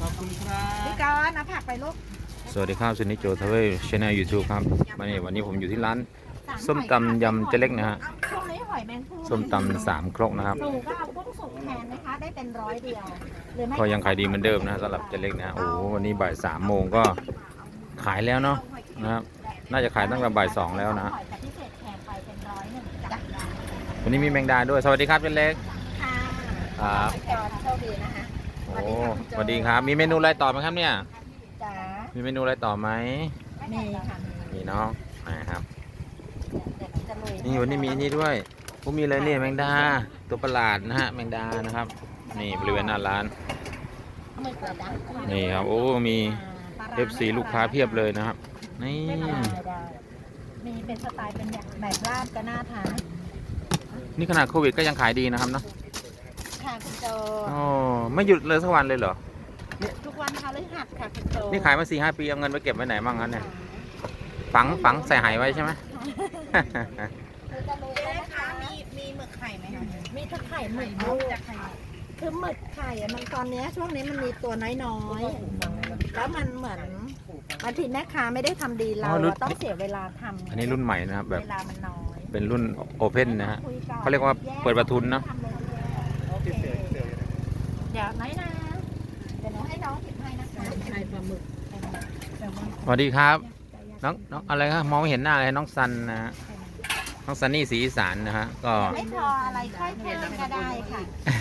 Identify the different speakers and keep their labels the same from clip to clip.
Speaker 1: อบคุณครับ
Speaker 2: พี่กรณ์เอาผักไปลูก
Speaker 3: สวัสดีครับซินิโจทเวลช anel YouTube ครับวันนี้ผมอยู่ที่ร้านส้มตำยำเจเล็กนะฮะ
Speaker 2: ช่วงนี้หอยแมงภู่
Speaker 3: ส้มตำ3 ครกนะครับ
Speaker 2: หนูก็เอากุ้งสุกแทนนะคะได้เป็น100เดียวหรือไม่
Speaker 3: ก็ยังขายดีเหมือนเดิมนะสำหรับเจเล็กนะโอ้โหวันนี้บ่าย3 โมงก็ขายแล้วเนาะนะครับน่าจะขายตั้งแต่บ่าย2แล้วนะ
Speaker 2: หอยแต่พิเศษแทนไปเป็น101จ้ะ
Speaker 3: วันนี้มีแมงดาด้วยสวัสดีครับเจเล็ก
Speaker 2: ค่ะ
Speaker 3: ครับ
Speaker 2: พี่กรณ์โชคดีนะคะ
Speaker 3: โอ้สวัสดีครับมีเมนูอะไรต่อไหมครับเนี่ย
Speaker 2: จ๋า
Speaker 3: มีเมนูอะไรต่อไหม
Speaker 2: มีค่ะ
Speaker 3: มีเนาะนะครับ
Speaker 2: เดี๋ยวจะลุย
Speaker 3: นี่วันนี้มีนี่ด้วยผมมีอะไรเนี่ยแมงดาตัวประหลาดนะฮะแมงดานะครับนี่บริเวณหน้าร้าน
Speaker 2: เอามือเปิดนะ
Speaker 3: นี่ครับโอ้มี FC ลูกค้าเพียบเลยนะครับนี่
Speaker 2: ได้มีเป็นสไตล์เป็นแบบราบก็น่าทาน
Speaker 3: นี่ขนาดโควิดก็ยังขายดีนะครับเนาะ
Speaker 2: ค่ะคุณโจ
Speaker 3: อ๋อไม่หยุดเลยสักวันเลยเหรอ
Speaker 2: ทุกวันพฤหัสค่ะคุณโจ
Speaker 3: นี่ขายมา4-5 ปีเอาเงินไปเก็บไว้ไหนบ้างครับเนี่ยฝังใส่หายไว้ใช่ไหม
Speaker 2: คือจะรู้แล้วนะคะมีหมึกไข่ไหมคะมีทั้งไข่หมึกลูกคือหมึกไข่อะมันตอนเนี้ยช่วงนี้มันมีตัวน้อยๆแล้วมันเหมือนบางทีแม่ค้าไม่ได้ทำดีเราต้องเสียเวลาทำ
Speaker 3: อันนี้รุ่นใหม่นะครับแบบ
Speaker 2: เวลามันน้อย
Speaker 3: เป็นรุ่นโอเพนนะฮะ
Speaker 2: คุก่อน
Speaker 3: เขาเรียกว่าเปิดประทุนเนอะ
Speaker 2: โอเคเดี๋ยวน้อยนะเดี๋ยวหนูให้น้องหยิบให้นะคะไข่ปลาหมึก
Speaker 3: สวัสดีครับน้องอะไรครับมองไม่เห็นหน้าเลยน้องซันนะฮะน้องซันนี่สีอีสานนะฮะก็
Speaker 2: ไม่พออะไรค่อยเพิ่มก็ได้ค่ะ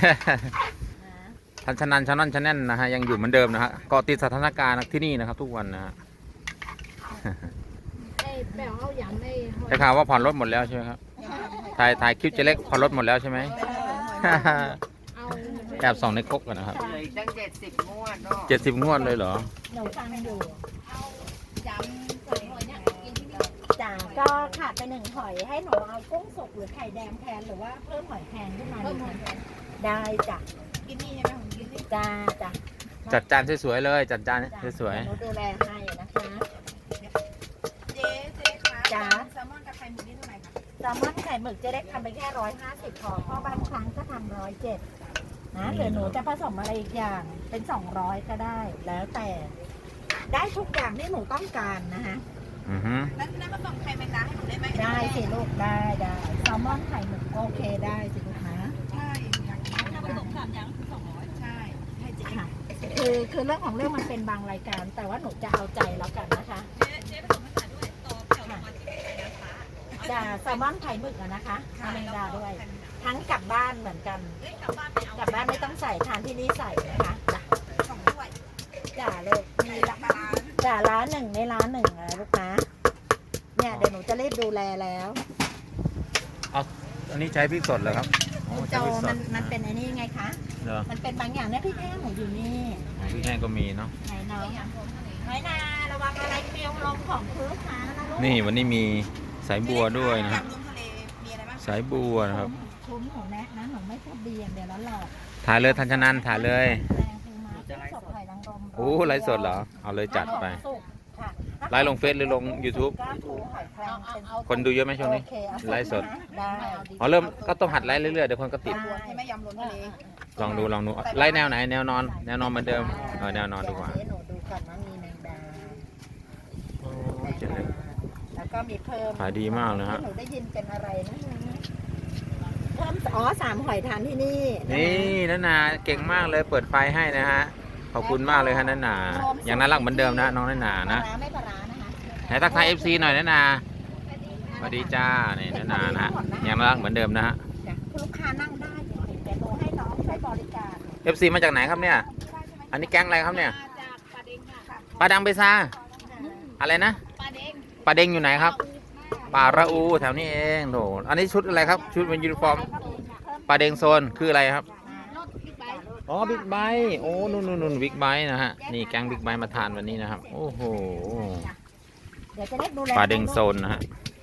Speaker 3: ทันชนันชานอนชแนนนะฮะยังอยู่เหมือนเดิมนะฮะเกาะติดสถานการณ์ที่นี่นะครับ ทุกวันนะฮะ
Speaker 2: แป้งเอาอย่างไม่
Speaker 3: ได้ข่าวว่าผ่อนรถหมดแล้วใช่ไหมครับถ่ายคลิปเจเล็กผ่อนรถหมดแล้วใช่ไหม แอบส่องในก๊กกันนะครับ
Speaker 1: เลยตั้ง70 งวดเนาะ
Speaker 3: 70 งวดเลยเหรอ
Speaker 2: หนูฟังอยู่จ้าก็ขาดไป1หอยให้หนูเอากุ้งสุกหรือไข่แดงแทนหรือว่าเพิ่มหอยแครงขึ้นมาได้จ้ะกินนี่ใช่ไหมผมกินนี่จ้าจ้ะ
Speaker 3: จัดจานสวยๆเลยจัดจานสวย
Speaker 2: หนูดูแลให้นะคะ
Speaker 4: เจ๊คะ
Speaker 2: จ้า
Speaker 4: แซลมอนกับไข่หมึกนี่เท่าไหร่คะ
Speaker 2: แซลมอนไข่หมึกจะได้ทำไปแค่150พอเพราะบางครั้งก็ทำ107นะหรือหนูจะผสมอะไรอีกอย่างเป็น200ก็ได้ แล้วแต่ได้ทุกอย่างที่หนูต้องการนะคะ
Speaker 3: ๆอือฮึ
Speaker 4: แล้วน้ำผสมไข่แมงดาให้หนูได้ไหม
Speaker 2: ได้สิลูกได้แซลมอนไข่หมึกโอเคได้สิลูกนะ
Speaker 4: ใช่อยากกินน้ำผสม3อย่างคือ200ใช่ให้เจ๊
Speaker 2: ค่ะคือเรื่องของเรื่องมันเป็นบางรายการ แต่ว่าหนูจะเอาใจแล้วกันนะคะ
Speaker 4: เจ๊ผสมภาษาด้วยต่อแถวรางวัลที่ไข่นะคะ
Speaker 2: จ้าแซลมอนไข่หมึกอะนะคะเอาแมงดาด้วย ทั้งกลับบ้านเหมือนกัน
Speaker 4: เอ้ยกลับบ้านไปเอา
Speaker 2: กลับบ้านไม่ต้องใส่ทานที่นี่ใส่นะคะจ้ะ
Speaker 4: 2ถ้วย
Speaker 2: จ้าลูกมีละจ้าร้านหนึ่งในร้านหนึ่งนะลูกนะเนี่ยเดี๋ยวหนูจะรีบดูแลแล้ว
Speaker 3: เอาอันนี้ใช้พริกสดเหรอครับอ๋อ
Speaker 2: คุณโจ
Speaker 3: ใช้พริกสด
Speaker 2: มันเป็นไอ้นี่ไงคะ
Speaker 3: เหรอ
Speaker 2: มันเป็นบางอย่างเนี่ยพี่แท้หนูอยู่นี่
Speaker 3: อ๋อพริกแห้งก็มีเนาะ
Speaker 2: ไหนน้องน้อยนาระวังอะไรเกลียวลงของพื้นขานะลูก
Speaker 3: นี่วันนี้มีสายบัวด้วยนะฮะ
Speaker 4: ยำรวมทะเลมีอะไรบ้าง
Speaker 3: สายบัวนะครับ
Speaker 2: คุ้มหนูแนะนะหนูไม่พูดดีอย่างเดียวแล้วหลอก
Speaker 3: ถ่ายเลยทันชนันถ่ายเลย
Speaker 2: แรงคือมาสดไข่นางรม
Speaker 3: โอ้ไลฟ์สดเหรอเอาเลยจัดไป
Speaker 2: สุกค่ะ
Speaker 3: ไลฟ์ลงเฟซหรือลง YouTube
Speaker 2: ก้านปูหอยแครงเป็น
Speaker 3: คนดูเยอะไหมช่วงนี้
Speaker 2: โอเคเอา
Speaker 3: ไลฟ์สด
Speaker 2: ได้
Speaker 3: อ๋อเริ่มก็ต้องหัดไลฟ์เรื่อยๆเดี๋ยวคนก็ติด
Speaker 4: ใช่ไหมยำรวมทะเล
Speaker 3: ลองดูไลฟ์แนวไหนแนวนอนเหมือนเดิมแนวนอนดีกว่า
Speaker 2: เดี๋ยหนูดูก่อนว่ามีแมงดา
Speaker 3: โอ้เจ๋งเลย
Speaker 2: แล้วก็มีเพิ่ม
Speaker 3: ขายดีมากเลยฮะ
Speaker 2: หนูได้ยินเป็นอะไรนะเพิ่ม3หอยทานที่นี่
Speaker 3: นี่นันนาเก่งมากเลยเปิดไฟให้นะฮะขอบคุณมากเลยฮะนันนายังน่ารักเหมือนเดิมนะน้องนันนานะ
Speaker 2: ปลาร้าไม่ปลาร้านะคะ
Speaker 3: ไหนทักทาย FC หน่อยนันนาสวัสดีจ้านี่นันนานะฮะยังน่ารักเหมือนเดิมนะฮะ
Speaker 2: จ้ะลูกค้านั่งได้เดี๋ยวหนูให้น้องใช้บริการ
Speaker 3: FC มาจากไหนครับเนี่ย อันนี้แก๊งอะไรครับเนี่ย
Speaker 4: จากปลาเด้งค่ะ
Speaker 3: ปลาดังเบซาอะไรนะ
Speaker 4: ปลาเด้ง
Speaker 3: ปลาเด้งอยู่ไหนครับปลาระอูแถวนี้เองโถอันนี้ชุดอะไรครับชุดเป็นยูนิฟอร์มปลาเด้งโซนคืออะไรครับ
Speaker 4: รถบิ๊กไบค์
Speaker 3: อ๋อบิ๊กไบค์โอ้นู่นบิ๊กไบค์นะฮะนี่แก๊งบิ๊กไบค์มาทานวันนี้นะครับโอ้โห
Speaker 2: เดี๋ยวจะได้ดูแล
Speaker 3: ปลาเด้งโซนนะฮะ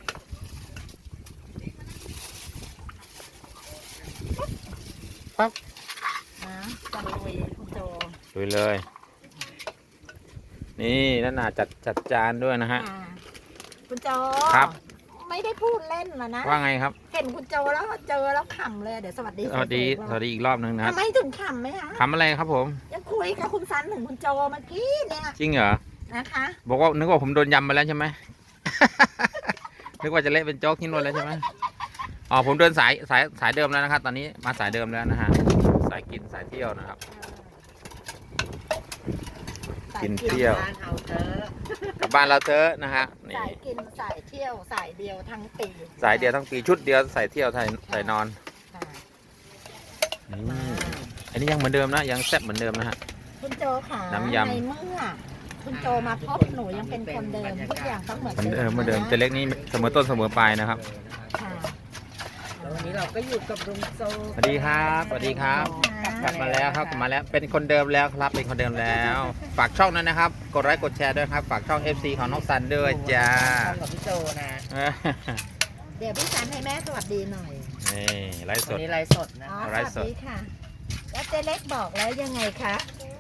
Speaker 3: ปั๊บ
Speaker 2: นะจะลุยคุณโจ
Speaker 3: ดูเลย นี่นั่นน่ะจัดจานด้วยนะฮะ
Speaker 2: อ่าคุณโจ
Speaker 3: ครับ
Speaker 2: ไม่ได้พูดเล่นนะนะ
Speaker 3: ว่าไงครับ
Speaker 2: เห็นห็นคุณโจแล้วเจอแล้วขำเลยเดี๋ยวสวัสดี
Speaker 3: สวัสดีอีกรอบนึงนะ
Speaker 2: ทำไมถึงขำไหมคะ
Speaker 3: ทำอะไรครับผม
Speaker 2: ยังคุยกับคุณซันถึงคุณโจเมื่อกี้เนี่ย
Speaker 3: จริงเหรอ
Speaker 2: นะคะ
Speaker 3: บอกว่านึกว่าผมโดนยำมาแล้วใช่ไหม นึกว่าจะเละเป็นโจ๊กที่นู่นแล้วใช่ไหมอ๋อผมเดินสายเดิมแล้วนะครับ ตอนนี้มาสายเดิมแล้วนะฮะสายกินสายเที่ยวนะครับ กินเที่ยว
Speaker 1: บ้านเอาเถอะ
Speaker 3: กลับบ้านเราเถอะนะฮะนี่
Speaker 2: สายกินสายเที่ยวสายเดียวทั้งปี
Speaker 3: สายเดียวทั้งปีชุดเดียวใส่เที่ยวใส่นอน
Speaker 2: ค่ะ
Speaker 3: นี่อันนี้ยังเหมือนเดิมนะยังแซ่บเหมือนเดิมนะฮะ
Speaker 2: คุณโจค่ะ
Speaker 3: น้ำยำ
Speaker 2: ในเมื่อคุณโจมาพบหนูยังเป็นคนเดิมทุกอย่างต้องเหมือน
Speaker 3: เหมือนเดิม
Speaker 2: นะ
Speaker 3: เหมือนเดิมเจเล็กนี่เสมอต้นเสมอปลายนะครับ
Speaker 2: ค่ะ
Speaker 1: แล้ววันนี้เราก็อยู่กับลุงโซ
Speaker 3: สวัสดีครับสวัสดีครับ กลับมาแล้วครับกลับมาแล้วเป็นคนเดิมแล้วครับเป็นคนเดิมแล้ว ฝากช่องนั้นนะครับ กดไลค์กดแชร์ด้วยครับฝากช่อง FC ของน้องซันด้วยจ้า
Speaker 1: กับพี่โจนะ
Speaker 2: เดี๋ยวพี่ซันให้แม่สวัสดีหน่อย
Speaker 3: นี่ไลฟ์ส
Speaker 1: วัน
Speaker 3: ด
Speaker 1: นี้ไลฟ์สดนะ
Speaker 2: อ๋อ
Speaker 3: ไล
Speaker 2: ส
Speaker 3: ฟ์ส
Speaker 2: วั
Speaker 3: ด
Speaker 2: สดีค่ะ แล้วเจ๊เล็กบอกแล้วยังไงคะ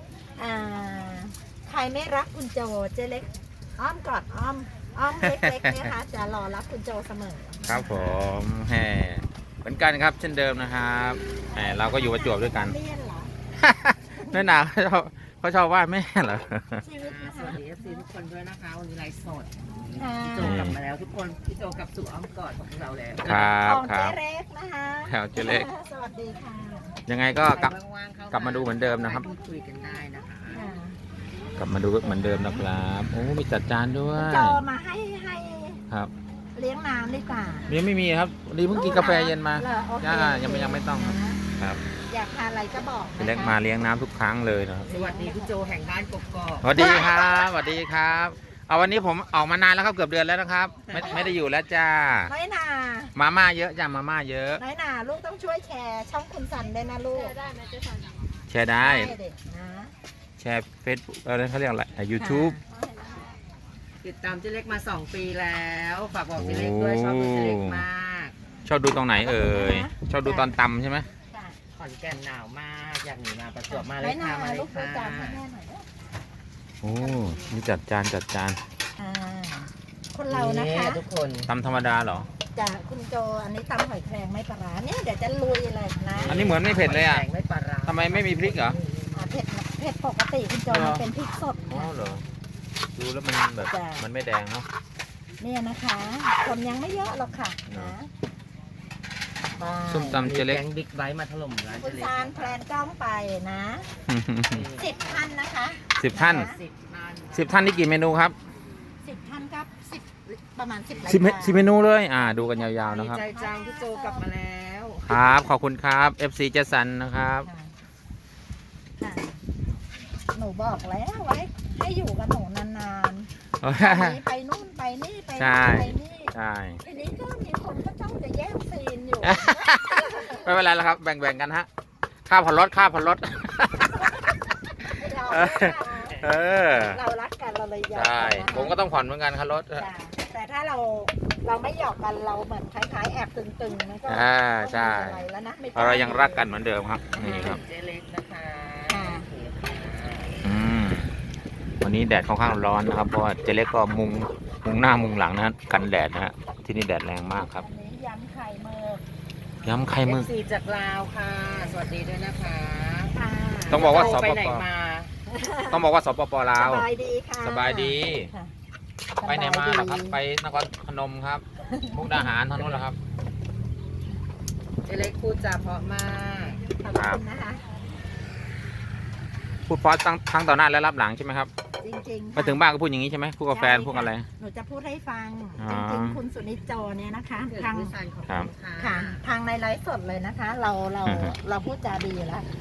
Speaker 2: ใครไม่รักคุณโจเจ๊เล็กอ้อมกอดอ้อมเล็กๆนะคะจะรอรับคุณโจเสมอ
Speaker 3: ครับผมแหมเหมือนกันครับเช่นเดิมนะครับแหมเราก็อยู่ประจวบด้วยกัน
Speaker 2: เลี่ยนเหรอ
Speaker 3: แม่นาเขาชอบว่าแม่เหรอ
Speaker 2: ชีวิตนะ
Speaker 1: สวั
Speaker 2: คะ
Speaker 1: สดี FC ทุกคนด้วยนะคะวันนี้ไลฟ์สด
Speaker 2: ค่ะ
Speaker 1: พี่โจกลับมาแล้วทุกคนพี่โจกลับสู่อ้อมกอดของเราแล้ว
Speaker 3: ครับ
Speaker 2: ของ
Speaker 3: ครั
Speaker 2: เจ๊
Speaker 3: บ
Speaker 2: เล็กนะคะ
Speaker 3: แถวเจเล็ก
Speaker 2: สวัสดีค่ะ
Speaker 3: ยังไงก็กลับ
Speaker 1: ว่างๆเข้
Speaker 3: กลับมาดูเหมือนเดิมนะครับ
Speaker 1: พูดคุยกันได้นะคะ
Speaker 2: ค่ะ
Speaker 3: กลับมาดูเหมือนเดิมนะครับโอ้มีจัดจานด้วย
Speaker 2: โจมาให้
Speaker 3: ครับ
Speaker 2: เลี้ยงน้ำดีกว่า
Speaker 3: ยังไม่มีครับวันนี้เพิ่งกินกาแฟเย็นมา
Speaker 2: เหรอโอเค
Speaker 3: ยังไม่ต้องครับ
Speaker 2: นะครับ อยากทานอะไรก็บอก
Speaker 3: เจเล็กมาเลี้ยงน้ำทุกครั้งเลยนะครับ
Speaker 1: สวัสดีพี่โจแห่งบ้านกกอก
Speaker 3: สวัสดีครับสวัสดีครับเอาวันนี้ผมออกมานานแล้วครับเกือบเดือนแล้วนะครับ ไม่ได้อยู่แล้วจ้า
Speaker 2: น้อยนา
Speaker 3: มาม่าเยอะจ้ามาม่าเยอะ
Speaker 2: น้อยนาลูกต้องช่วยแชร์ช่องคุณสันด้วยนะลูก
Speaker 3: แชร์ได้
Speaker 2: เด็กนะ
Speaker 3: แชร์เฟซบุ๊กอะไรเขาเรียกอะไรยูทูบ
Speaker 1: ติดตามเจ๊เล็กมา 2 ปีแล้วฝากบอกเจ๊เล็กด้วยชอบดูเจ๊เล็กมาก
Speaker 3: ชอบดูตรงไหนเอ่ยชอบดูตอนตำใช่ไหม
Speaker 2: ค่ะ
Speaker 1: ขอนแก่นหนาวมากอยากหนีมาประจวบมาเล
Speaker 2: น้อย ยนา
Speaker 1: ค่ะมาเล
Speaker 2: ลู
Speaker 1: ย
Speaker 2: กดู
Speaker 1: ค่ะ
Speaker 2: จานให้แม่หน่อยนะ
Speaker 3: โอ้นี่จัดจาน
Speaker 2: อ่าคนเรานะคะ
Speaker 1: ทุกคน
Speaker 3: ตำธรรมดาเหรอ
Speaker 2: จะคุณโจอันนี้ตำหอยแครงไม่ปลาร้าเนี่ยเดี๋ยวจะลุยเลยนะ
Speaker 3: อันนี้เหมือนไม่เผ็ดเลยอ่ะ
Speaker 1: แกงไม่ปลาร้า
Speaker 3: ทำไมไม่มีพริกเหรอ
Speaker 2: เผ็ดปกติคุณโจมันเป็นพริกสด
Speaker 3: อ๋อ
Speaker 2: ค่ะ
Speaker 3: เหรอดูแล้วมันแบบ
Speaker 2: จ้ะ
Speaker 3: มันไม่แดงเนาะ
Speaker 2: เนี่ยนะคะคนยังไม่เยอะหรอกค่ะ
Speaker 3: เน
Speaker 2: นะ
Speaker 3: อะ ส้มตำเจเล็ก
Speaker 1: แกงบิ๊กไบค์มาถล่มร้าน
Speaker 2: คุ
Speaker 1: เจ
Speaker 2: ณ
Speaker 1: เล็ก
Speaker 2: ซานแพลนกล้องไปนะ10 ท่านนะคะ
Speaker 3: 10 ท่าน
Speaker 1: 10 ท่าน
Speaker 3: 10 ท่านนี่กี่เมนูครับ
Speaker 2: 10 ท่านครับ10ประมาณ10ราย
Speaker 3: 10
Speaker 2: การ
Speaker 3: 10เมนูเลยดูกันยาวๆ
Speaker 1: ดี
Speaker 3: นะครับ
Speaker 1: ใจจังพี่โจกลับมาแล้ว
Speaker 3: ครับ ขอบคุณครับ FC เจสันนะครับ
Speaker 2: ค่ะค่ะหนูบอกแล้วไว้ให้อยู่กับหนูนานๆไปนู่นไปนี่ไป
Speaker 3: ใช่
Speaker 2: นู่นไปนี่
Speaker 3: ใช่
Speaker 2: ทีนี้ก็มีคนก็จ้องจะแย่งซีนอยู่
Speaker 3: ไม่เป็นไรแล้วครับ แบ่งๆกันฮะ ค่าผ่อนรถ เออ
Speaker 2: เรารักกันเราเลยยอม
Speaker 3: ใช่
Speaker 2: กันนะ
Speaker 3: ผมก็ต้องผ่อนเหมือนกันครับรถ
Speaker 2: จ้ะแต่ถ้าเราไม่หยอกกันเราเหมือนคล้ายๆแอบตึงๆมันก็
Speaker 3: ใช่
Speaker 2: ไม่มีอะไรแล้วนะไม่
Speaker 3: เรายังรักกันเหมือนเดิมครับ นี่ครับ
Speaker 1: เจเล็กนะคะ
Speaker 2: ค่ะ
Speaker 1: โอเคค่ะ
Speaker 3: วันนี้แดดค่อนข้างร้อนนะครับ เพราะว่าเจเล็กก็มุงหน้ามุงหลังนะฮะกันแดดนะฮะ ที่นี่แดดแรงมากครับ
Speaker 2: อันนี้ยำไข่เมือก
Speaker 3: ย้ำไข่มึก
Speaker 1: FC จากลาวค่ะ สวัสดีด้วยนะคะ
Speaker 2: ค่ะ
Speaker 3: ต้องบอกว่า
Speaker 1: โจ
Speaker 3: สปป
Speaker 1: ไปไหนมา
Speaker 3: ต้องบอกว่าสปปลาว
Speaker 2: สบายดีค่ะ
Speaker 3: สบายดี
Speaker 2: ค่ะ
Speaker 3: ไปไหนมาเหรอครับ ไปนครพนมครับ มุกดาหารทางนู้นเหรอครับ
Speaker 1: เจเล็กพูดจาเพราะมาก
Speaker 2: ขอบคุณนะคะ
Speaker 3: พูดเพราะทั้งต่อหน้าและรับหลังใช่ไหมครับ
Speaker 2: จริงๆ
Speaker 3: ไปถึงบ้านก็พูดอย่างนี้ใช่ไหมพูดกับแฟนพูดอะไร
Speaker 2: หนูจะพูดให้ฟัง
Speaker 3: อ๋อ
Speaker 2: จริงๆคุณสุนิจโจเนี่ยนะคะ
Speaker 1: เกิด
Speaker 2: ทาง
Speaker 1: วิสันขอบ
Speaker 3: ครับ
Speaker 1: คุณค่ะ
Speaker 2: ค่ะทางในไลฟ์สดเลยนะคะ เราพูดจาดีอยู่แล้ว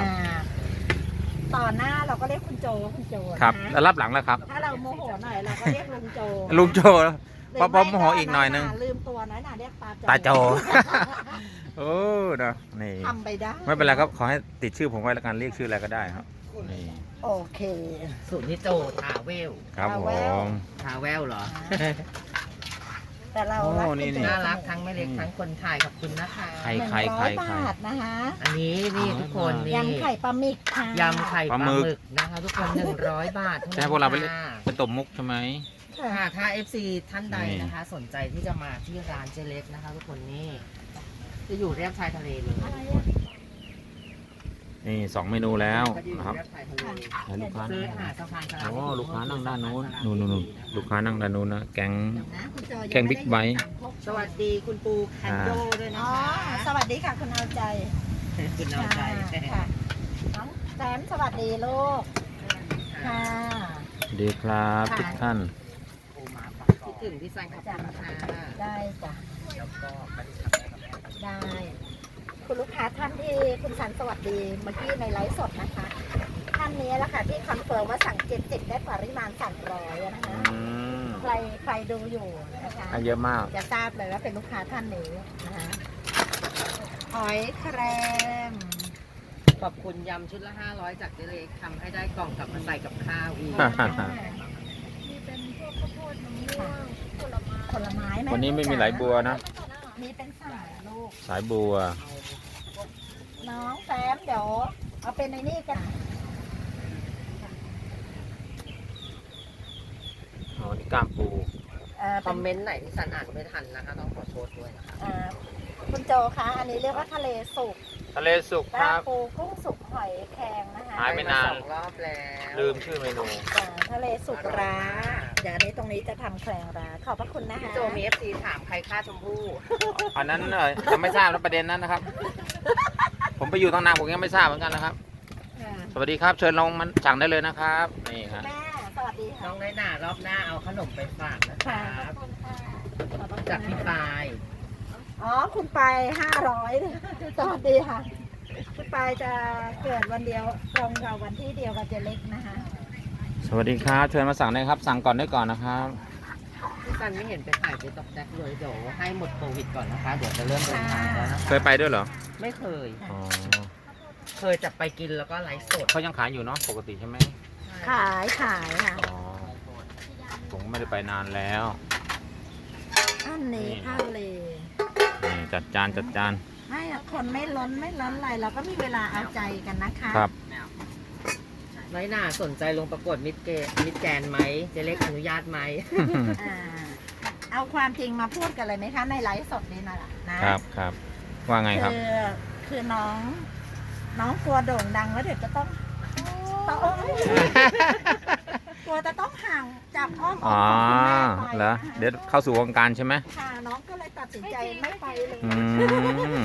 Speaker 2: ต่อหน้าเราก็เรียกคุณโจนะ
Speaker 3: ครับ แล้วรับหลังแล้วครับ
Speaker 2: ถ้าเราโมโหหน่อยเราก็เรียกลุงโจ
Speaker 3: ลุงโจ
Speaker 2: หรือ
Speaker 3: เพราะโมโหอีกหน่อยนึง
Speaker 2: ลืมตัวน้อยหนาเรียกตาโจ
Speaker 3: ตาโจ โอ้เนอะนี่
Speaker 2: ทำไปได้
Speaker 3: ไม่เป็นไรครับ ขอให้ติดชื่อผมไว้แล้วกันเรียกชื่ออะไรก็ได้ครับ นี่
Speaker 2: โอเค
Speaker 1: สุนิโจทาเวล
Speaker 3: ครับผม
Speaker 1: ทาเวลเหรอ
Speaker 2: แต่เรา
Speaker 3: โอ้
Speaker 2: รัก
Speaker 3: นี่
Speaker 2: คุณโจ
Speaker 1: น่ารักทั้งแม่เล็กทั้งคนถ่ายขอบคุณนะคะ
Speaker 3: ใคร
Speaker 2: 100 บาทนะคะ
Speaker 1: อันนี้นี่ทุกคนนี่
Speaker 2: ยำไข่ปลาหมึกค่ะ
Speaker 1: ยำไข่ปลาหมึกนะคะทุกคน100 บาทท่
Speaker 3: จะให้พวกเราไป
Speaker 1: ค่ะ
Speaker 3: เป็นตบมุกใช่ไหม
Speaker 2: ค่ะ
Speaker 1: ค่ะถ้า FC ท่านใดนะคะ สนใจที่จะมาที่ร้านเจเล็กนะคะ ทุกคนนี่จะอยู่เรียบชายทะเลเลย
Speaker 2: อะไรอ่ะ
Speaker 3: นี่2 เมนูแล้ว
Speaker 1: ก็จะอยู่
Speaker 3: นะครับ
Speaker 1: เรียบชายทะเล
Speaker 3: ให้ลูกค้า
Speaker 1: ซื้อหาดสะพานสลับ
Speaker 3: โอ้ลูกค้านั่งด้านนู้นนู่นลูกค้านั่งด้านนู้นนะแก๊ง
Speaker 2: นะคุณโจ
Speaker 3: แกงบิ๊กไบท์
Speaker 1: สวัสดีคุณปูแคนโดด้วยนะ
Speaker 2: อ๋อ
Speaker 1: คะ
Speaker 2: สวัสดีค่ะคุณเอาใจ
Speaker 1: คุณเอาใจ
Speaker 2: ค่ะน้องแซมสวัสดีลูกค่ะ
Speaker 3: ดีครับทุกท่าน
Speaker 1: คิดถึงพี่ซันขอบคุณค่ะ
Speaker 2: ได้จ้ะ
Speaker 1: แล้วก็ไปดูทำได้
Speaker 2: ได้ คุณลูกค้าท่านที่คุณสันสวัสดีเมื่อกี้ในไลฟ์สดนะคะ ท่านนี้แหละค่ะที่คอนเฟิร์มว่าสั่ง70ได้ปริมาณ300นะคะ ใครดูอยู่นะคะ
Speaker 3: ให้เยอะมาก
Speaker 2: จะทราบเลยว่าเป็นลูกค้าท่านนี้นะคะหอยแครง
Speaker 1: ขอบคุณยำชุดละ 500 จากเจเล็กทำให้ได้กล่องกลับมาใส่กับข้าวอีก
Speaker 4: มีเป็นพวกข้าวโพดมะม่วงผลไม้
Speaker 2: ผลไม้ไหม
Speaker 3: วันนี้ไม่มีไหลบัวนะ
Speaker 2: มีเป็นสายลูก
Speaker 3: สายบัว
Speaker 2: น้องแซมเดี๋ยวเอาเป็นในนี่กัน
Speaker 3: อ๋อนี่กล้ามปู
Speaker 1: คอมเมนต์ไหนที่ซันอ่านไม่ทันนะคะ ต้องขอโทษด้วยนะคะ
Speaker 2: คุณโจคะอันนี้เรียกว่าทะเลสุก
Speaker 3: ทะเลสุก
Speaker 2: ป
Speaker 3: ค
Speaker 2: ลา
Speaker 3: รับ
Speaker 2: ปูกุ้งสุกหอยแครงนะคะ
Speaker 3: หายไปนาน
Speaker 1: สองรอบแล้ว
Speaker 3: ลืมชื่อเมนู
Speaker 2: ทะเลสุกร้าเดี๋ยวอันนี้ตรงนี้จะทำแครงร้าขอบพระคุณนะคะ
Speaker 1: พี่โจมี FC ถามใครฆ่าชมพู่
Speaker 3: อันนั้นยังไม่ทราบนะประเด็นนั้นนะครับ ผมไปอยู่ตั้งนานผมยังไม่ทราบเหมือนกันนะครับ
Speaker 2: ค่ะ
Speaker 3: สวัสดีครับเชิญลงมันสั่งได้เลยนะครับนี่ครับ
Speaker 2: แม่สวัสดี
Speaker 1: น้
Speaker 2: ค่ะ
Speaker 1: องน้อยหน่ารอบหน้าเอาขนมไปฝากนะค
Speaker 2: ค่ะ
Speaker 1: รับ
Speaker 2: ขอบคุณค่ะขอบพระคุณ
Speaker 1: จากพี่ปาย
Speaker 2: อ๋อคุณปาย500สวัสดีค่ะ คุณปายจะเกิดวันเดียวตรงกับวันที่เดียวกับเจเล็กนะคะ
Speaker 3: สวัสดีครับเชิญมาสั่งได้ครับ สั่งก่อนได้ก่อนนะครับ
Speaker 1: พี่ซันไม่เห็นไปถ่ายไปตอกแจ็คเลยเดี๋ยวให้หมดโควิดก่อนนะคะ เดี๋ยวจะเริ่มเดินทางแล้วนะ
Speaker 3: เคยไปด้วยเหรอ
Speaker 1: ไม่เคย
Speaker 3: อ๋อ
Speaker 1: เคยจะไปกินแล้วก็ไลฟ์สด
Speaker 3: เขายังขายอยู่เนาะปกติใช่ไหม
Speaker 2: ขายค่ะ
Speaker 3: อ๋อผมไม่ได้ไปนานแล้ว
Speaker 2: อันนี้ข้าวเล
Speaker 3: นี่จัดจานจัดจาน
Speaker 2: ไม่อะคนไม่ล้นอะไรเราก็มีเวลาเอาใจกันนะคะ
Speaker 3: ครับ
Speaker 1: น้อยหน่าสนใจลงประกวดมิดแกนไหมเจเล็กอนุญาตไหม
Speaker 2: อ่าเอาความจริงมาพูดกันเลยไหมคะในไลฟ์สดนี้นะครับ
Speaker 3: ครับว่าไงครับ
Speaker 2: คือน้องกลัวโด่งดังแล้วเดี๋ยวจะต้องกลัวจะต้องห่างจากอ้อม
Speaker 3: อ๋อ
Speaker 2: ของคุณแม่ไป
Speaker 3: เหรอ
Speaker 2: นะคะ
Speaker 3: เดี๋ยวเข้าสู่วงการใช่ไหม
Speaker 2: ค่ะน้องก็เลยตัดสินใจไม่ไปเลย
Speaker 3: อืม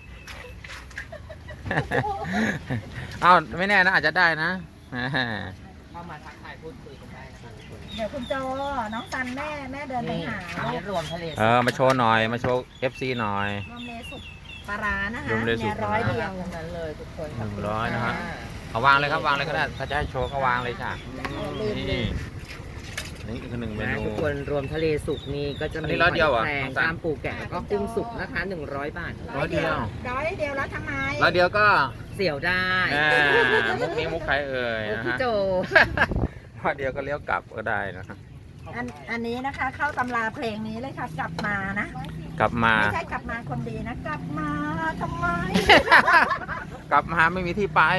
Speaker 3: เอ้าไม่แน่นะอาจจะได้นะ
Speaker 1: เข้ามาทักทายพูดคุยกันได้นะคะทุกคน
Speaker 2: เดี๋ยวคุณโจน้องตันแม่เดินไป
Speaker 1: นี่
Speaker 2: หา
Speaker 1: อันนี้รวมทะเล
Speaker 3: มาโชว์หน่อยมาโชว์ FC หน่อย
Speaker 2: รวมเลสุกปลาร้านะคะ
Speaker 3: รวมเลสุก
Speaker 2: เนี่ย100 เดียว
Speaker 1: ทั้งนั้นเลยทุกคนขบคุณ
Speaker 3: 100นะฮะ
Speaker 1: ค่
Speaker 3: เอาวางเลยครับวางเลยก็ได้ถ้าจะให้โชว์ก็วางเลยจ้ะ
Speaker 2: ลืม
Speaker 3: นี่นี่คือ1 เม
Speaker 1: นะ
Speaker 3: นู
Speaker 1: ทุกคนรวมทะเลสุกนี่ก็จะ
Speaker 3: อัน
Speaker 1: มี
Speaker 3: นี้ร้อยเดียวเหรอ
Speaker 1: แครง
Speaker 3: น้องสัน
Speaker 1: ตามปูแกะแล้วก็กุ้งสุกนะคะ100 บาท
Speaker 3: ร้อยเดียว
Speaker 2: 100 เดียวแล้วทำไม
Speaker 3: แล้วเดียวก็
Speaker 1: เสี่ยวได้
Speaker 3: มุกนี้มุกใครเอ่ย
Speaker 1: โอ้
Speaker 3: นะ
Speaker 1: พี่
Speaker 3: ฮะ
Speaker 1: โจ
Speaker 3: ว่าเดียวก็เลี้ยวกลับก็ได้นะ
Speaker 2: อันนี้นะคะ เข้าตำราเพลงนี้เลยค่ะกลับมานะ
Speaker 3: กลับมา
Speaker 2: ไม่ใช่กลับมาคนดีนะ กลับมาทำไม
Speaker 3: กลับมาไม่มีที่ไป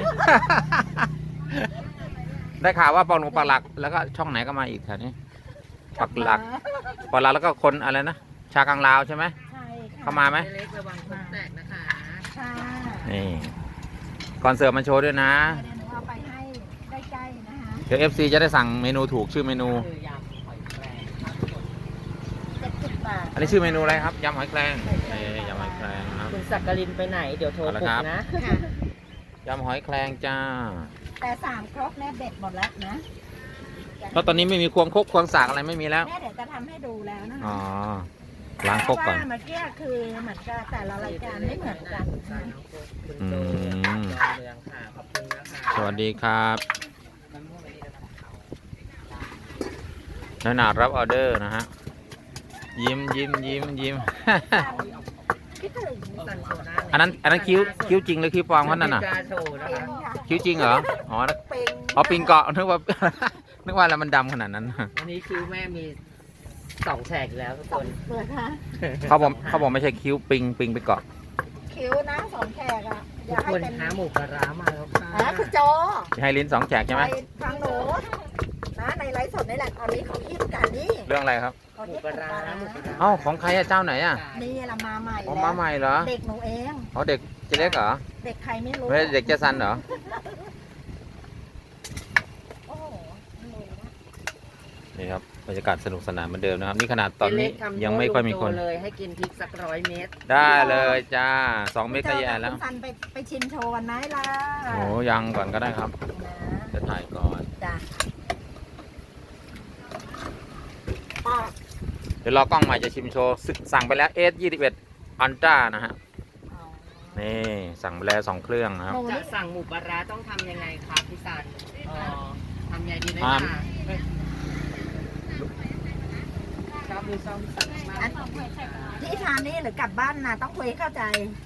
Speaker 3: ได้ข่าวว่าปองหลวงปักหลัก แล้วก็ช่องไหนก็มาอีกแถวนี้ปักหลักปักหลักแล้วก็คนอะไรนะชากังลาวใช่ไหม
Speaker 2: ใช่ค่ะ
Speaker 3: เข้ามาไหม
Speaker 1: เล็กระวังคนแตกนะคะ
Speaker 2: ค่ะ
Speaker 3: นี่คอนเสิร์ตมาโชว์ด้วยนะ
Speaker 2: เดี๋ยวหนูเอาไปให้ใกล้ๆนะคะ
Speaker 3: เดี๋ยว FC จะได้สั่งเมนูถูกชื่อเมนู
Speaker 1: คือยำหอยแครง
Speaker 2: 70 บาท
Speaker 3: อันนี้ชื่อเมนูอะไรครับยำหอยแครงยำหอยแครงนะครับ
Speaker 1: คุณสักกลินไปไหนเดี๋ยวโทร
Speaker 3: เอาละ
Speaker 1: ปลุ
Speaker 3: ครั
Speaker 1: ก
Speaker 3: บ
Speaker 1: นะ
Speaker 2: ค่ะ
Speaker 3: ยำหอยแครงจ้า
Speaker 2: แต่3 ครกเนี่ยเด็ดหมดแล้วนะ
Speaker 3: แล้วตอนนี้ไม่มีควงคกควงสากอะไรไม่มีแล้ว
Speaker 2: แม่เดี๋ยวจะทำให้ดูแล้วนะคะ
Speaker 3: อ๋อล้างคกก่อน
Speaker 2: เพราะว่าเมื่อกี้คือเหมือนกับแต่ละรายการไม่เหมือนกัน
Speaker 1: คุณโจจากเมืองค่ะขอบคุณนะคะ
Speaker 3: สวัสดีครับน้อยหนารับออเดอร์นะฮะ ยิ้ม
Speaker 2: คิดถึง
Speaker 1: สันโซน่า
Speaker 3: อันนั้นคิ้วจริงหรือคิ้วปลอมเขานั่นน่ะ
Speaker 1: กล้าโชว์นะ
Speaker 2: เป็
Speaker 1: คะ
Speaker 2: นค่ะ
Speaker 3: คิ้วจริงเหรอ อ๋อ
Speaker 2: เป็น
Speaker 3: อ๋อปิงเกาะนึกว่า นึกว่าแล้วมันดำขนาดนั้น
Speaker 1: วันนี้คิวแม่มี2 แฉกอีกแล้วทุกคน
Speaker 2: เปิดค่ะ
Speaker 3: เขาบอกไม่ใช่คิ้วปิงไปเกาะ
Speaker 2: คิ้วนะ2 แขกอ่ะอ
Speaker 1: ทุ
Speaker 2: ยาก กให้
Speaker 1: คน
Speaker 2: เป็น
Speaker 1: หาหมูปลาร้ามาแล้วค่ะ
Speaker 2: คุณโจ
Speaker 3: ให้ลิ้น2 แฉกใช่ไหม
Speaker 2: ไปฟังหนูนะในในไลฟ์สดนี่แหละตอนนี้เขาฮิตกันนี่
Speaker 3: เรื่องอะไรครับ
Speaker 2: เขา
Speaker 1: หมู
Speaker 2: ฮิต
Speaker 1: ปลาร้าหมูปลาร้า
Speaker 3: เอ้าของใครอะเจ้าไหนอะ
Speaker 2: นี่ละมาใหม่
Speaker 3: อ๋อ
Speaker 2: แล้ว
Speaker 3: มาใหม่เหรอ
Speaker 2: เด็กหนูเอง
Speaker 3: อ๋อเด็กเจเล็กเหรอ
Speaker 2: เด็กใครไม่รู้
Speaker 3: ไม่ใช่เด็กเจสันเหรอ
Speaker 2: โอ้โห
Speaker 3: นี่ครับบรรยากาศสนุกสนานเหมือนเดิมนะครับนี่ขนาดตอนนี้
Speaker 1: เจ๊เล็กทำ
Speaker 3: ยังไม่ค่อยมีคน
Speaker 1: โตเลยให้กินพริกสัก100 เม็ด
Speaker 3: ได้เลยจ้า2 เมตรก็แย่แล้ว
Speaker 2: คุณซันไปชิมโชว์กันไหมล่ะ
Speaker 3: โอ้ยังก่อนก็ได้ครับ
Speaker 2: นะ
Speaker 3: จะถ่ายก่อน
Speaker 2: จ้ะ
Speaker 3: เดี๋ยวรอกล้องใหม่จะชิมโชว์สั่งไปแล้ว S21 Ultra นะฮะ
Speaker 2: อ๋อ
Speaker 3: นี่สั่งไปแล้ว2 เครื่องนะครับ
Speaker 2: หนู
Speaker 1: จะ
Speaker 2: นี่
Speaker 1: สั่งหมูปลาร้าต้องทำยังไงครับพี่สันทำยังไงดีไหม
Speaker 3: อ่า
Speaker 1: คะชอบดูซ่อมพี่สันมาก
Speaker 2: ที่ทานนี่หรือกลับบ้านนะต้องคุยให้เข้าใจ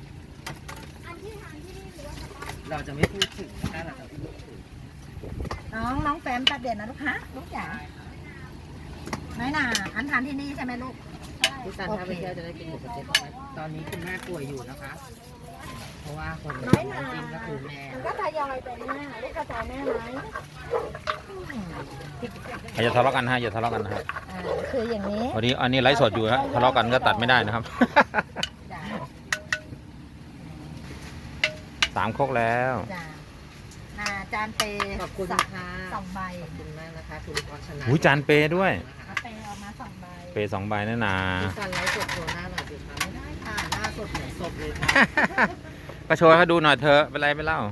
Speaker 1: เราจะไม่พูดถึงถ้าเราจะพูดถึง
Speaker 2: น้องแฟมแป๊บเดียวนะลูกฮะลูกจ๋าน้อยหน่าอันทานที่นี่ใช่ไหมลูก
Speaker 1: พี่สันถ้าไปเที่ยวจะได้กินหมูสะเต๊ะไหมตอนนี้คุณแม่ป่วยอยู่นะคะ เพราะว่าคน
Speaker 2: น้อยหน่า
Speaker 1: กินก็คือแม่
Speaker 2: มันก็ทยอยไปแม่ลูกเข้าใจแม่ไหม
Speaker 3: อย่าทะเลาะกันฮะอย่าทะเลาะกันนะครับ
Speaker 2: คืออย่างนี้
Speaker 3: วันนี้อันนี้ไลฟ์สดอยู่ฮะทะเลาะกันก็ตัดไม่ได้นะครับ
Speaker 2: จ้ะ
Speaker 3: 3 ครกแล้ว
Speaker 2: จ้ะจานเป
Speaker 1: ขอบคุณ
Speaker 2: ส
Speaker 1: ค่ะ
Speaker 2: องใบ
Speaker 1: ขอบคุณมากนะคะคุณพรชนะ
Speaker 3: หูจานเปด้วย
Speaker 2: เอาเปเอามา2 ใบ
Speaker 3: เป2 ใบนั่นนา
Speaker 1: พี่สันไลฟ์สดโชว์หน้าหน่อยสิคะไม่ได้ค่ะหน้าสดเหมือนศพเลยค่ะ
Speaker 3: ก็โชว์ให้เขาดูหน่อยเธอะเป็นไรไม่เล่า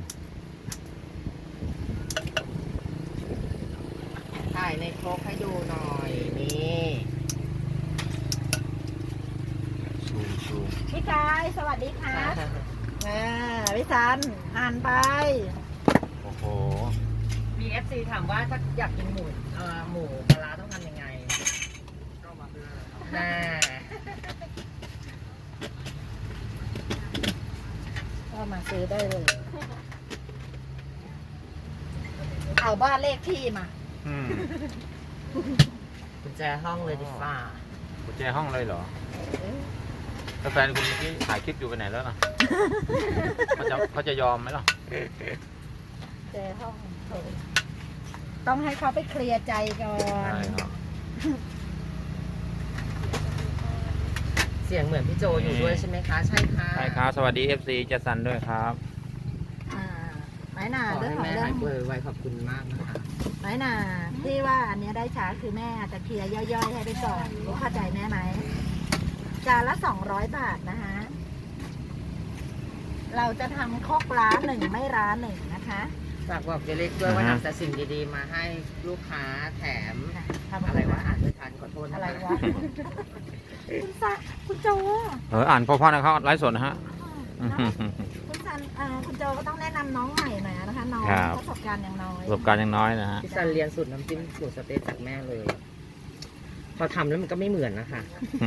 Speaker 1: ถ่ายในครกให้ดูหน่อยนี่
Speaker 3: ชูม
Speaker 2: พี่ชายสวัสดีครับพี่ซันอ่านไป
Speaker 3: โอ้โห
Speaker 1: มี FC ถามว่าถ้าอยากกินหมูปลาร้าต้องทำยังไงน่า
Speaker 2: ก็มาซื้อได้เลย เอาบ้านเลขที่มา
Speaker 3: อืม
Speaker 1: กุญแจห้องเลยดีฟ่า
Speaker 3: กุญแจห้องเลยเหรอแล้วแฟนคุณเมื่อกี้ถ่ายคลิปอยู่ไปไหนแล้วล่ะ เขาจะยอมไหมล่ะ
Speaker 2: เจอห้องต้องให้เขาไปเคลียร์ใจก่อน
Speaker 3: ใช่ครับ
Speaker 1: เสียงเหมือนพี่โจอยู่ด้วยใช่ไหมคะ ใช่ค่ะ
Speaker 3: ใช่ครับสวัสดี FC เจสันด้วยครับ
Speaker 2: ไหนหนา
Speaker 1: ขอ
Speaker 2: เรื่อง
Speaker 1: ให้
Speaker 2: ของ
Speaker 1: แม่
Speaker 2: เรื่อ
Speaker 1: หาง ยป่วยไวขอบคุณมากนะคะ
Speaker 2: ไหนหนาที่ว่าอันเนี้ยได้ช้าคือแม่จะเคลียร์ย่อยๆให้ไปก่อนรู้เข้าใจแม่ไหมจานละ200 บาทนะคะ เราจะทำคอกร้าน1ไม่ร้าน1นะคะ
Speaker 1: ฝากบอกเจเล็กด้วยว่า
Speaker 3: อ่าฮะ
Speaker 1: นำแต่สิ่งดีๆมาให้ลูกค้าแถม
Speaker 2: ทำ
Speaker 1: อะไรวะอ่านไม่ทันขอโทษนะ
Speaker 2: อะไร
Speaker 1: คะ
Speaker 2: วะ คุณซะคุณโจ
Speaker 3: อ่านพ่อๆนะครับไลฟ์สดนะฮะ
Speaker 2: คุณซันคุณโจก็ต้องแนะนำน้องใหม่หน่อยนะคะน้อง
Speaker 3: ครับ
Speaker 2: ประสบการณ์อย่างน้อย
Speaker 3: ประสบการณ์ยังน้อยนะฮะ
Speaker 1: พี่ซันเรียนสูตรน้ำจิ้มหมูสะเต๊ะจากแม่เลย พอทำแล้วมันก็ไม่เหมือนนะคะ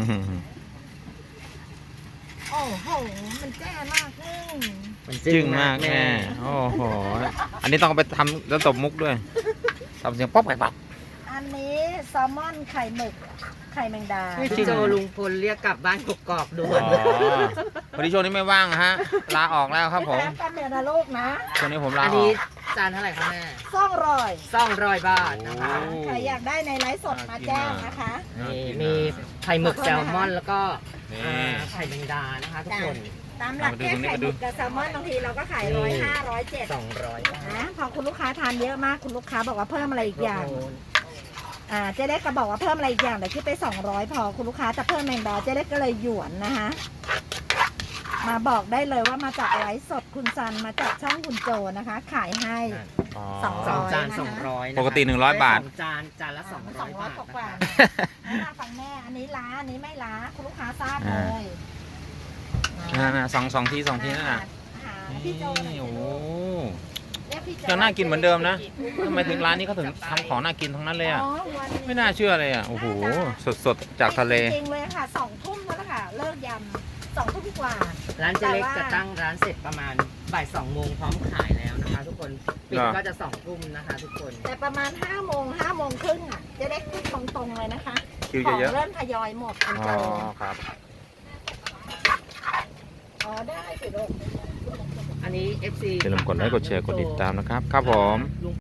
Speaker 2: โอ้โหมันแจ้มากเลย
Speaker 1: มัน
Speaker 3: จึ้งมากแม่โอ้โห อันนี้ต้องเอาไปทำแล้วตบมุกด้วยทำเสียงป๊อปไปป๊อป
Speaker 2: อันนี้แซลมอนไข่หมึกไข่แมงดา
Speaker 1: พี่โจลุงพลเรียกกลับบ้านกกอกๆด่ว
Speaker 3: อ๋
Speaker 1: น
Speaker 3: อวันนี้ช่วงนี้ไม่ว่างฮะ ลาออกแล้วครับผม
Speaker 2: แป๊บเดียวนะลูกนะ
Speaker 3: ช่วงนี้ผมลา
Speaker 1: อัน
Speaker 3: ออ
Speaker 1: นี้
Speaker 3: ก
Speaker 1: จานเท่าไหร่คะแม่
Speaker 2: 200
Speaker 1: 200 บาทนะคะ
Speaker 3: โอ้
Speaker 2: ใครอยากได้ในไลฟ์สดมาแจ้งนะคะ
Speaker 1: นี่มีไข่หมึกแซลมอนแล้วก็
Speaker 3: นี่
Speaker 1: ไข่แมงดานะคะทุกคน
Speaker 2: ตามหลักแค่ไข่หมึกกับแซลมอนบางทีเราก็ขาย105 107
Speaker 1: 200บาท
Speaker 2: นะพอคุณลูกค้าทานเยอะมากคุณลูกค้าบอกว่าเพิ่มอะไรอีกอย่างเจ๊เล็กก็บอกว่าเพิ่มอะไรอีกอย่างแต่คิดไป200พอคุณลูกค้าจะเพิ่มแมงดาเจ๊เล็กก็เลยหยวนนะคะมาบอกได้เลยว่ามาจากไลฟ์สดคุณซันมาจากช่องคุณโจนะคะ ขายให้
Speaker 3: อ๋อ
Speaker 2: สอง
Speaker 1: สองจาน
Speaker 2: นะคะ
Speaker 1: 200
Speaker 3: ปกติ100 บาท
Speaker 1: สองจานละ200 บาท
Speaker 2: ก
Speaker 1: นะ
Speaker 2: ว่า
Speaker 1: คะ
Speaker 2: ๆนะฟังแม่อันนี้ล้าอันนี้ไม่ล้าคุณลูกค้าทราบเลย
Speaker 3: น่ะสองทีนั่นน่ะ
Speaker 2: หาพี่โจหน่อย
Speaker 3: นี่
Speaker 2: สิ
Speaker 3: โอ้โห
Speaker 2: เรียกพี่โจ
Speaker 3: ยังน่ากินเหมือนเดิมนะทำไมถึงร้านนี้เขาถึงทำของน่ากินทั้งนั้นเลยอ่ะ
Speaker 2: อ๋อวันนี้
Speaker 3: ไม่น่าเชื่อเลยอ่ะ โอ้โห สดๆ จากทะเล
Speaker 2: จริงๆเลยค่ะ2 ทุ่มแล้วล่ะค่ะ เลิกยำ2 ทุ่มกว่า
Speaker 1: ร้านเจเล็ก
Speaker 2: แต่ว่า
Speaker 1: จะตั้งร้านเสร็จประมาณบ่าย2 โมงพร้อมขายแล้วนะคะ ทุกคนปิด
Speaker 3: เหรอ
Speaker 1: ก็จะ2 ทุ่มนะคะ ทุกคน
Speaker 2: แต่ประมาณ5 โมง5 โมงครึ่งอ่ะจะได้พูดตรงๆเลยนะคะ
Speaker 3: คิว
Speaker 2: ของ
Speaker 3: เยอะ
Speaker 2: เริ่มทยอยหมดคุณ
Speaker 3: ๆอ๋
Speaker 2: โจ
Speaker 3: อครับ
Speaker 2: อ๋อได้สิลูก
Speaker 1: อันนี้ FC
Speaker 3: อย่าลืมกดไลค์ กดแชร์ กดติดตามนะครับ ครับผม